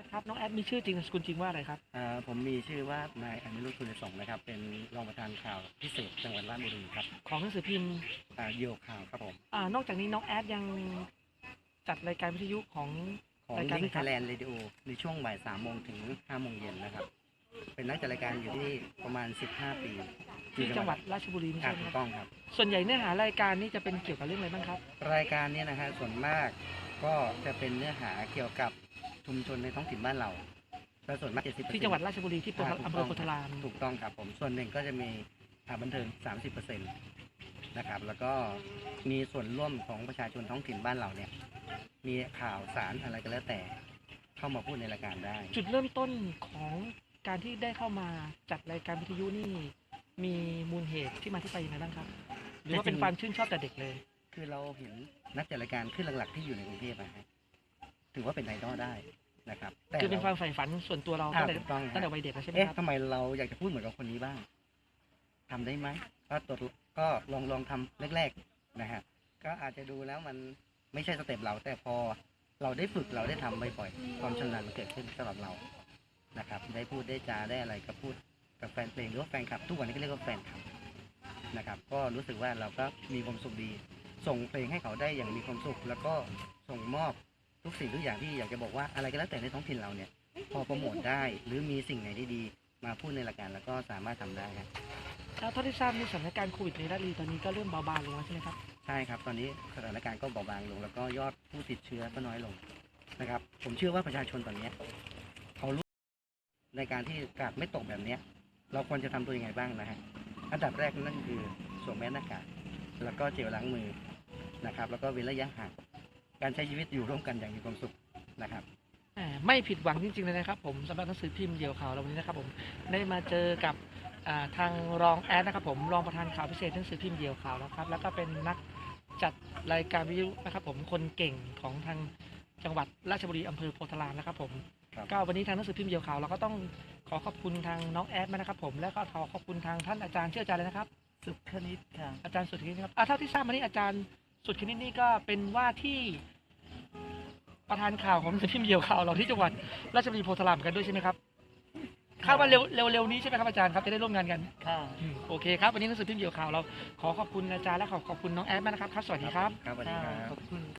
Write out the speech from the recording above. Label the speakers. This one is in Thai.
Speaker 1: ครับน้องแอดมีชื่อจริงนามสกุลจริงว่าอะไรครับ
Speaker 2: ผมมีชื่อว่านายอนุรุตคุณสงฆ์นะครับเป็นรองประธานข่าวพิเศษจังหวัดราชบุรีครับ
Speaker 1: ของหนังสือพิมพ์
Speaker 2: เหยี่ยวข่าวครับผม
Speaker 1: นอกจากนี้น้องแอดยังจัดรายการวิทยุของ
Speaker 2: ของ
Speaker 1: รายการไหน
Speaker 2: ลิงก์
Speaker 1: ค
Speaker 2: ไท
Speaker 1: รับ
Speaker 2: ยแลนด์เรดิโอในช่วงบ่าย3 โมงถึง5 โมงเย็นนะครับเป็นนักจัดรายการอยู่ที่ประมาณ15 ปี
Speaker 1: ที่จังหวัดราชบุรีนี่
Speaker 2: ครั
Speaker 1: ใช่
Speaker 2: บ
Speaker 1: ไหม
Speaker 2: ถู
Speaker 1: ค
Speaker 2: ก
Speaker 1: รับ
Speaker 2: ต้องครับ
Speaker 1: ส่วนใหญ่เนื้อหารายการนี้จะเป็นเกี่ยวกับเรื่องอะไรบ้างครับ
Speaker 2: รายการนี้นะฮะส่วนมากก็จะเป็นเนื้อหาเกี่ยวกับชุมชนในท้องถิ่นบ้านเราและส่วนมาก70%
Speaker 1: ที่จังหวัดราชบุรีที่อำเภอโพธาราม
Speaker 2: ถูกต้องครับผมส่วนหนึ่งก็จะมีบันเทิง 30%นะครับแล้วก็มีส่วนร่วมของประชาชนท้องถิ่นบ้านเราเนี่ยมีข่าวสารอะไรก็แล้วแต่เข้ามาพูดในรายการได้
Speaker 1: จุดเริ่มต้นของการที่ได้เข้ามาจัดรายการวิทยุนี่มีมูลเหตุที่มาที่ไปยังไงบ้างครับหรือว่าเป็นความชื่นชอบแต่เด็กเลย
Speaker 2: คือเราเห็นนักจัดรายการขึ้นหลักๆที่อยู่ในกรุงเทพนะฮะถือว่าเป็นไอดอลได้นะครับ
Speaker 1: คือเป็นความใฝ่ฝันส่วนตัวเราตั้งแต่วัยเด็กแล้วใช่ไหมครับ
Speaker 2: ทำไมเราอยากจะพูดเหมือนกับคนนี้บ้างทำได้ไหมก็ลองทำแรกๆนะฮะก็อาจจะดูแล้วมันไม่ใช่สเต็ปเราแต่พอเราได้ฝึกเราได้ทำบ่อยๆความชำนาญมันเกิดขึ้นสำหรับเรานะครับได้พูดได้จาได้อะไรก็พูดกับแฟนเพลงหรือว่าแฟนคลับทุกวันนี้ก็เรียกว่าแฟนคลับนะครับก็รู้สึกว่าเราก็มีความสุขดีส่งเพลงให้เขาได้อย่างมีความสุขแล้วก็ส่งมอบทุกสิ่งทุกอย่างที่อยากจะบอกว่าอะไรก็แล้วแต่ในท้องถิ่นเราเนี่ยพอโปรโมทได้หรือมีสิ่งไหนที่ดีมาพูดในรายการแล้วก็สามารถทำได้ครับ
Speaker 1: เท่าที่ทราบในสถานการณ์โควิดในราชบุรีตอนนี้ก็เริ่มเบาบางลงแล้วใช่ไหมครับ
Speaker 2: ใช่ครับตอนนี้สถานการณ์ก็เบาบางลงแล้วก็ยอดผู้ติดเชื้อก็น้อยลงนะครับผมเชื่อว่าประชาชนตอนนี้เขารู้ในการที่กาดไม่ตกแบบนี้เราควรจะทำตัวยังไงบ้างนะฮะอันดับแรกนั่นคือสวมแมสหน้ากากแล้วก็เจลล้างมือนะครับแล้วก็เว้นระยะห่างการใช้ชีวิตอยู่ร่วมกันอย่างมีความสุขนะครับ
Speaker 1: ไม่ผิดหวังจริงๆเลยนะครับผมสำหรับหนังสือพิมพ์เดี่ยวข่าวเราวันนี้นะครับผมได้มาเจอกับทางรองแอดนะครับผมรองประธานข่าวพิเศษหนังสือพิมพ์เดี่ยวข่าวนะครับแล้วก็เป็นนักจัดรายการวิทยุนะครับผมคนเก่งของทางจังหวัดราชบุรีอำเภอโพธารามนะครับผมก็วันนี้ทางหนังสือพิมพ์เดี่ยวข่าวเราก็ต้องขอขอบคุณทางน้องแอดมานะครับผมแล้วก็ขอบคุณทางท่านอาจารย์ชื่ออาจารย์เลยนะครับ
Speaker 2: สุขคณิตครับ
Speaker 1: อาจารย์สุดคณิตครับเท่าที่ทราบมานี่อาจารย์สุดคณิตนี่ก็เป็นว่าที่ประธานข่าวของหนังสือพิมพ์เดี่ยวข่าวเราที่จังหวัดราชบุรีโพธารามกันด้วยใช่ไหมครับคาดว่าเร็วนี้ใช่ไหมครับอาจารย์ครับจะได้ร่วมงานกัน
Speaker 2: ค่ะ
Speaker 1: โอเคครับวันนี้หนังสือพิมพ์เดี่ยวข่าวเราขอขอบคุณอาจารย์และขอบคุณน้องแอดมากนะครับสวัสดีครับ
Speaker 2: ครับสวัสดีครับ
Speaker 1: ขอบคุณ